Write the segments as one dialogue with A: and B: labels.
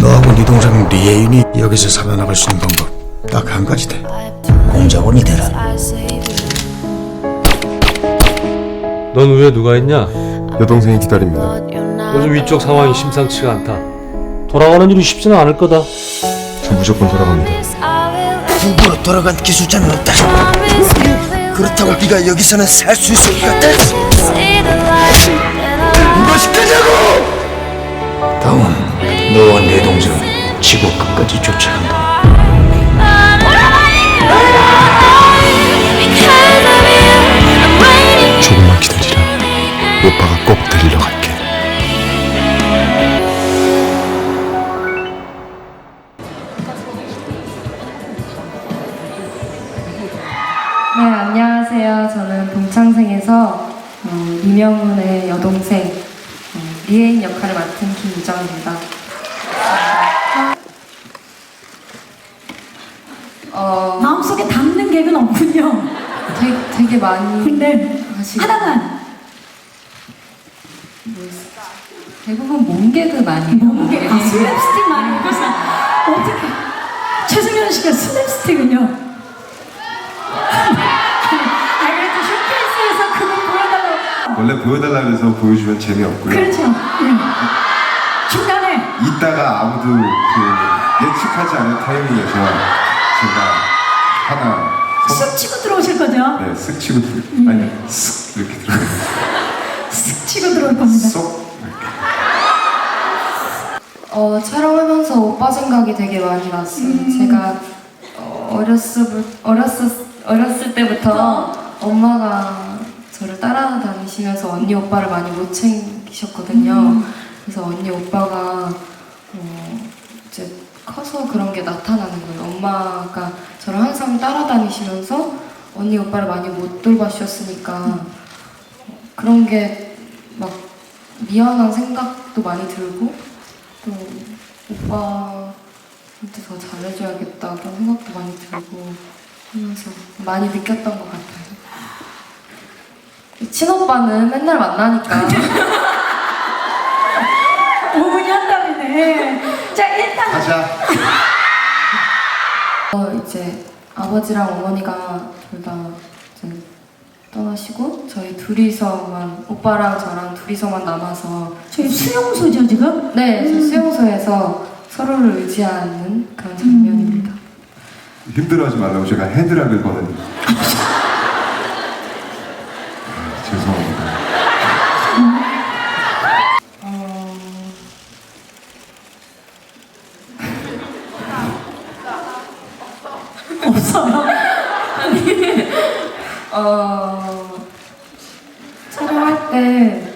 A: 너하고 네 동생 리에인이 여기서 살아나갈 수 있는 방법 딱 한 가지 돼. 공작원이 되라.
B: 넌 위에 누가 있냐?
C: 여동생이 기다립니다.
B: 요즘 위쪽 상황이 심상치가 않다. 돌아가는 일이 쉽지는 않을 거다.
C: 저 무조건 돌아갑니다.
A: 후보로 돌아간 기술자는 없다. 그렇다고 네가 여기서는 살 수 있을 것 같아? 무엇이 다운, 너와 내 동생 지구 끝까지 쫓아간다.
C: 조금만 기다리라. 오빠가 꼭 데리러 갈게.
D: 네, 안녕하세요. 저는 동창생에서 이명훈의 여동생 리에인 역할을 맡은 김유정입니다.
E: 마음속에 담는 개그는 없군요.
D: 되게 많이
E: 근데
D: 하시고
E: 하나만
D: 대부분 몸개그 많이
E: 몸개 슬랩스틱 많이 해서 어떻게 최승현 씨가 슬랩스틱은요? 그래도 쇼케이스에서 그걸 보여달라고.
C: 원래 보여달라 그래서 보여주면 재미없고요.
E: 그렇죠. 중간에
C: 이따가 아무도 예측하지 않은 타이밍에서 제가 하나
E: 쓱 치고 들어오실 거죠?
C: 네, 쓱 치고 아니 쓱 이렇게 들어가요.
E: 쓱 치고 들어올 겁니다.
C: 쏙 이렇게.
D: 촬영하면서 오빠 생각이 되게 많이 났어요. 제가 어렸을 때부터 엄마가 저를 따라다니시면서 언니 오빠를 많이 못 챙기셨거든요. 그래서 언니 오빠가 이제 커서 그런 게 나타나는 거예요. 엄마가 저를 항상 따라다니시면서 언니 오빠를 많이 못 돌봐주셨으니까 그런 게 막 미안한 생각도 많이 들고 또 오빠한테 더 잘해줘야겠다 그런 생각도 많이 들고 하면서 많이 느꼈던 것 같아요. 친오빠는 맨날 만나니까
E: 5분이 한답이네. 자, 일단
C: 가자.
D: 이제 아버지랑 어머니가 둘 다 떠나시고 저희 둘이서만 오빠랑 저랑 둘이서만 남아서
E: 저희 수용소죠 지금?
D: 네, 저 수용소에서 서로를 의지하는 그런 장면입니다.
C: 힘들어하지 말라고 제가 헤드락을 거든요. 죄송합니다.
E: 없어요.
D: 촬영할 때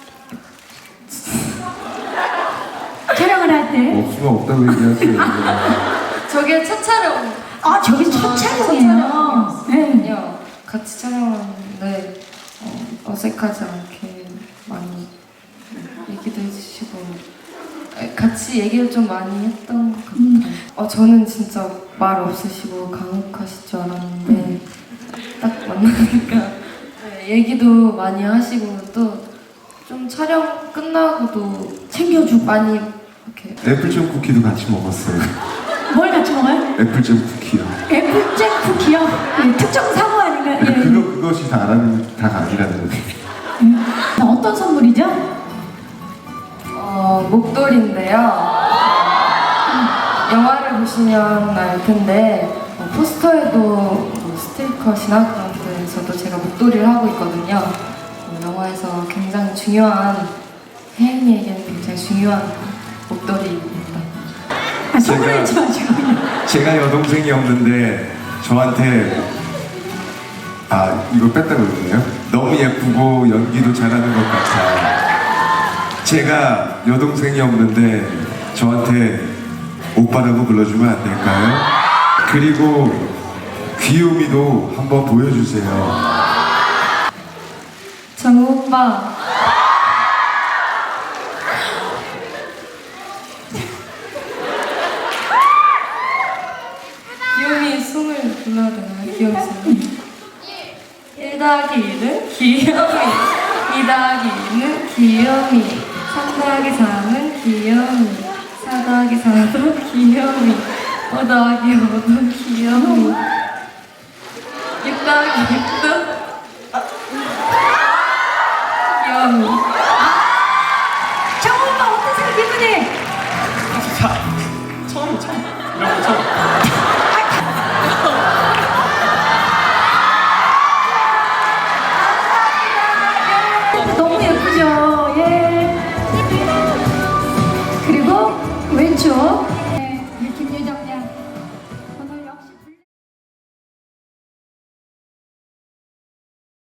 E: 촬영을 할 때.
C: 없으면 없다고 얘기하세요.
D: 저게 첫 촬영.
E: 아, 저기 첫 촬영이에요. 네.
D: 같이 촬영하는데 어색하지 않게 많이 얘기도 해주시고 같이 얘기를 좀 많이 했던 것 같아요. 저는 진짜 말 없으시고 강욱하실 줄 알았는데 딱 만나니까 네, 얘기도 많이 하시고 또 좀 촬영 끝나고도
E: 챙겨주고.
D: 많이 이렇게
C: 애플잼 쿠키도 같이 먹었어요.
E: 뭘 같이 먹어요?
C: 애플잼 쿠키요.
E: 애플잼 쿠키요? 예, 특정 사고 아닌가요? 예.
C: 그것이 다가 아니라는 거죠.
E: 어떤 선물이죠?
D: 목도리인데요. 영화를 보시면 알 텐데 포스터에도 스틸컷이나 그런 데서도 제가 목도리를 하고 있거든요. 영화에서 굉장히 중요한 혜인이에게는 굉장히 중요한 목도리입니다.
E: 아, 선물이지 마시고.
C: 제가 여동생이 없는데 저한테 이걸 뺐다 그러네요. 너무 예쁘고 연기도 잘하는 것 같아. 제가 여동생이 없는데 저한테 오빠라고 불러주면 안 될까요? 그리고 귀요미도 한번 보여주세요.
D: 정우 오빠. 귀요미 숨을 불러야 되나요? 귀요미 숨. 1 더하기 1은 귀요미, 2 더하기 2는 귀요미, 3 더하기 4는 귀요미, 4 더하기 4도 귀요미 5 더하기 5도 귀요미 6 더하기 6도 귀요미